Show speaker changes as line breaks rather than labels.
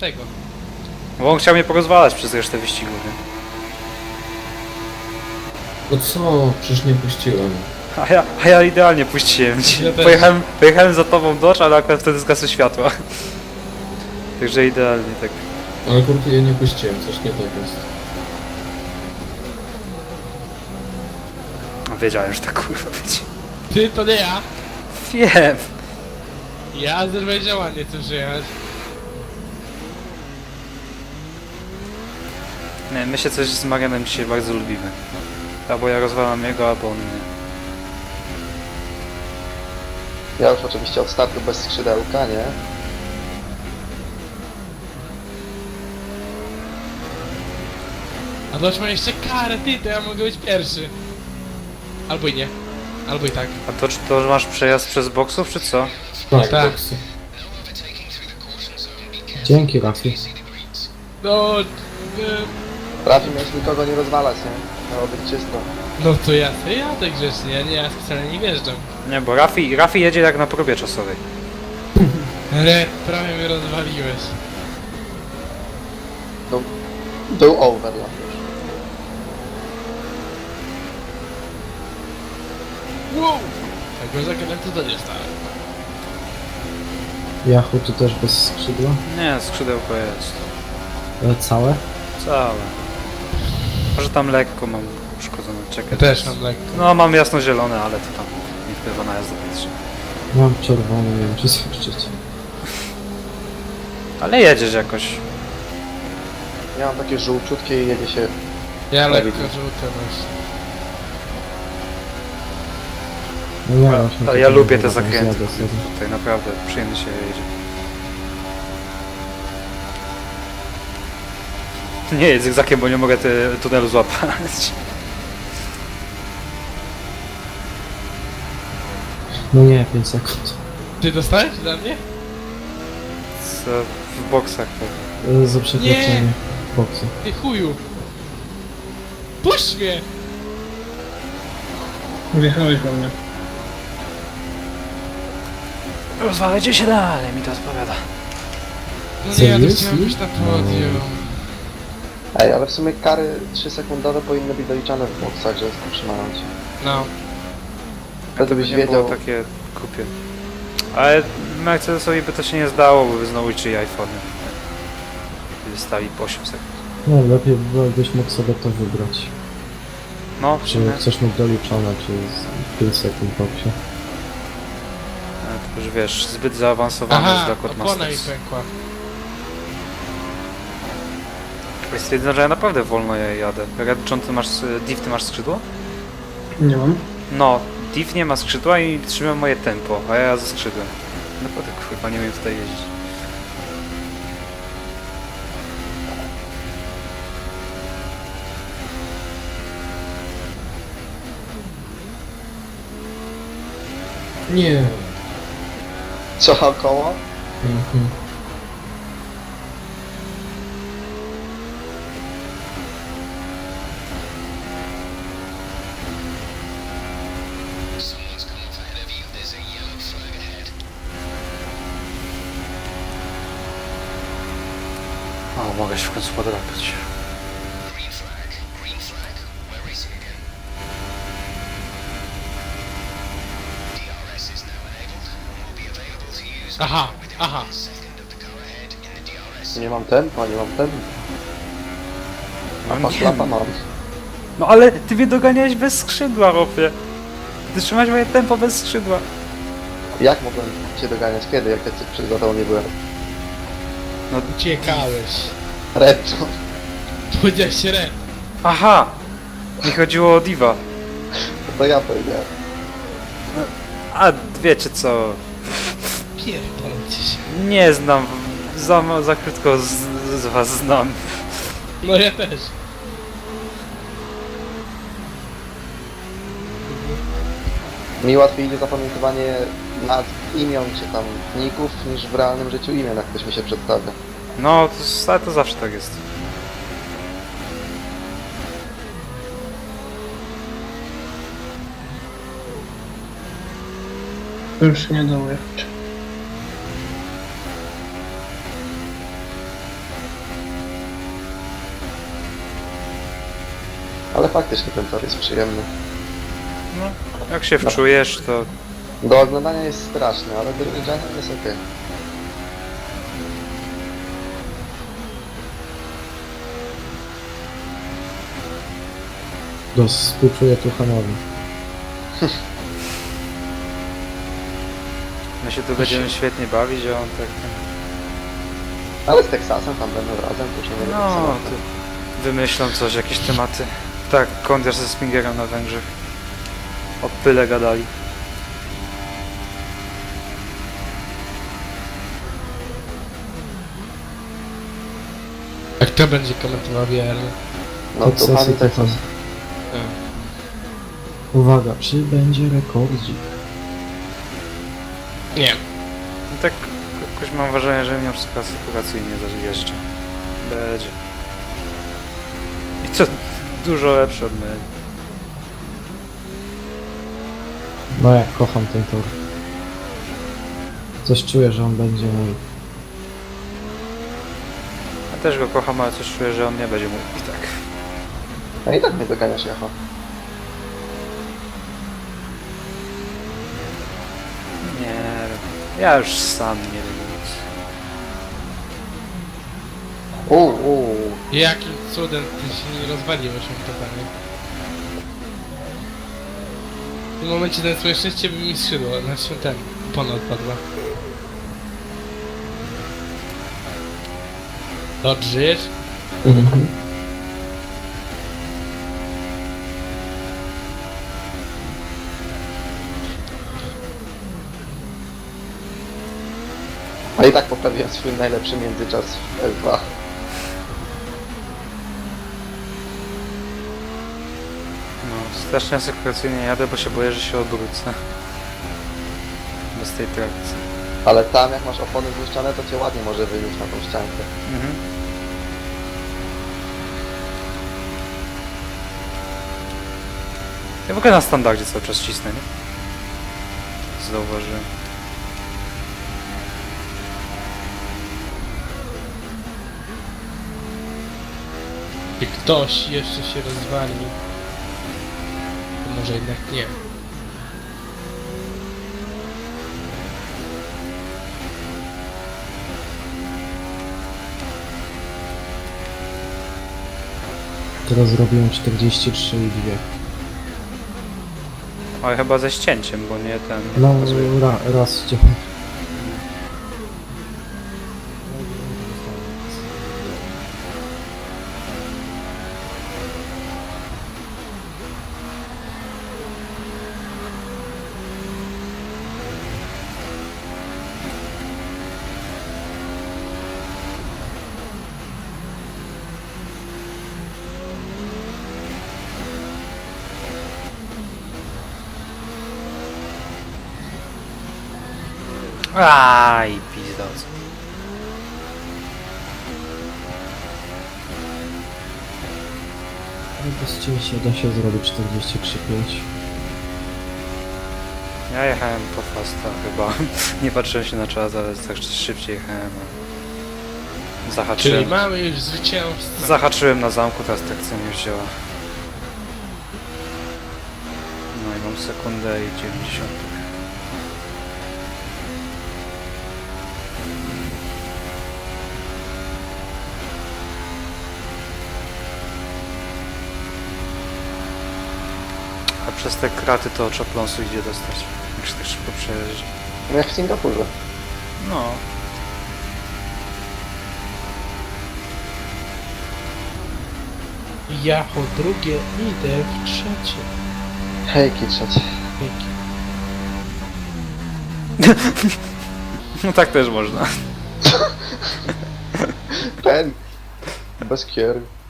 tego.
Bo on chciał mnie porozwalać przez resztę wyścigu, nie?
No co? Przecież nie puściłem.
A ja idealnie puściłem ci.
Ja też.
Pojechałem za tobą Dodge, ale akurat wtedy zgasły światła. Także idealnie tak.
Ale kurde, ja nie puściłem, coś nie tak jest.
Wiedziałem, że tak kurwa będzie.
Ty, to nie ja.
Wiem.
Ja Azerbejdżan nie chcę przyjechać.
Nie, my się coś z Marianem dzisiaj bardzo lubimy. Albo ja rozwalam jego, albo on mnie.
Ja już oczywiście od startu bez skrzydełka, nie?
A Dodge ma jeszcze karę, ty, to ja mogę być pierwszy. Albo i nie. Albo i tak.
A to masz przejazd przez boksów, czy co?
Tak,
Tak.
boksy. Dzięki, Rafi.
No...
Rafi miałeś nikogo nie rozwalać, nie? Miało być czysto.
No to ja sobie jadę grzecznie, ja specjalnie nie wjeżdżam.
Nie, bo Rafi jedzie jak na próbie czasowej.
Red, prawie mnie rozwaliłeś.
Był overlap.
Wow! Tego zakrętu to nie stałem.
Yahoo tu też bez skrzydła?
Nie, skrzydełko jest.
Całe?
Całe. Może tam lekko mam uszkodzone, czekaj.
Ja też mam lekko.
No mam jasno-zielone, ale to tam nie wpływa na jazdę powietrzną.
Mam czerwony, nie wiem czy słyszycie.
Ale jedziesz jakoś.
Ja mam takie żółciutkie i jedzie się...
Ja lekko
widzę.
żółte właśnie.
No ja właśnie
Ale ja
tak
lubię te
zjadę
zakręty.
sobie.
Tutaj naprawdę przyjemnie się jedzie. Nie jedz zygzakiem, bo nie mogę tunelu złapać.
No nie, 5 sekund.
Ty dostałeś dla mnie?
Co w boksach to.
Za przekroczenie boksu.
Ty chuju. Puść mnie!
Wjechałeś we mnie.
Rozwalajcie się dalej, mi to odpowiada.
No
Co
nie, ja to
jest?
chciałem być na podium.
Ej, ale w sumie kary 3-sekundowe powinny być doliczane w boksach, że zatrzymają cię.
No.
Wtedy byś
nie było
wiedział...
takie kupie. Ale Mercedesowi by to się nie zdało, bo by znowu liczyli iPhony. Gdyby stali po 8 sekund.
No lepiej byś mógł sobie to wybrać.
No, w
Czy
sumie.
chcesz mieć doliczone, czy z 5 sekund w boksie.
To już wiesz, zbyt zaawansowany jest
Aha,
dla
opona mi
Codemasters.
pękła.
Jest stwierdzone, że ja naprawdę wolno jadę. Red John, Div, ty masz skrzydło?
Nie mam.
No, Div nie ma skrzydła i trzyma moje tempo, a ja ze skrzydłem. Naprawdę kurwa nie wiem tutaj jeździć.
Nie.
Co koło?
Mhm.
O, mogę się w końcu podrapać.
Aha, aha.
Nie mam tempa, nie mam tempa. A
No
masz
nie.
lapa mam.
No ale ty mnie doganiałeś bez skrzydła, Ropie. Ty trzymałeś moje tempo bez skrzydła.
Jak mogłem cię doganiać? Kiedy? Jak ja przed tobą nie byłem?
Uciekałeś.
Redczo.
Powiedziałeś się red.
Aha! Mi chodziło o Diva.
To ja powiedziałem.
A wiecie co?
Pierdolcie się.
Nie znam. Za krótko z was znam.
No ja też.
Mi łatwiej idzie zapamiętywanie nazw, imion czy tam ników niż w realnym życiu imion, jak ktoś mi się przedstawia.
No, ale to zawsze tak jest.
To już się nie dało jechać.
Ale faktycznie ten tor jest przyjemny.
No, jak się wczujesz, to
Do oglądania jest straszny, ale do jeżdżania jest okej.
Współczuję Tuchanowi.
my się tu będziemy świetnie bawić, a on tak...
Ale z Teksasem tam będą razem, to już nie będzie
No,
tak
ty wymyślą coś, jakieś tematy. Tak, Kondiar ze Spingerem na Węgrzech. O pyle gadali.
Jak to będzie komentował VRL?
No
Teksasy,
to pani Teksas.
Tuchan. Uwaga, czy będzie rekordzik?
Nie.
No tak jakoś mam wrażenie, że mimo wszystko sytuacyjnie zajeżdża. Będzie. I to dużo lepsze od mnie.
No jak kocham ten tor. Coś czuję, że on będzie mój.
Ja też go kocham, ale coś czuję, że on nie będzie mój. I tak.
No i tak mnie doganiasz, Jacho.
Nie wiem. Ja już sam nie wiem nic.
Jakim cudem ty się nie rozwaliłeś totalnie? W tym momencie ten swoje szczęście by mi skrzydło, znaczy ten, opona odpadła. Dobrze, żyjesz?
Mhm.
A i tak poprawiłem swój najlepszy międzyczas w L2.
No, strasznie asekuracyjnie jadę, bo się boję, że się obrócę. Bez tej trakcji.
Ale tam jak masz opony błyszczane, to cię ładnie może wyjść na tą ściankę.
Mhm. Ja w ogóle na standardzie cały czas cisnę, nie? Zauważyłem.
Czy ktoś jeszcze się rozwali? To może jednak nie.
Teraz zrobiłem 43 i 2.
Ale chyba ze ścięciem, bo nie ten...
No,
pokazuje.
raz cię.
Aj, pizdoc.
Ale bez cięcia da się zrobić 43,5.
Ja jechałem po fasta chyba. Nie patrzyłem się na czas, ale tak szybciej jechałem.
Czyli
Zahaczyłem.
mamy już zwycięzcę.
Zahaczyłem na zamku, teraz trakcja mnie wzięła. No i mam sekundę i 90. A przez te kraty to czapląsu idzie dostać. Jak się tak szybko przejeżdża.
No jak w Singapurze.
No.
Jacho drugie, idę w trzecie.
Hejki trzecie.
Dzięki.
No tak też można.
Pen! Bez kier.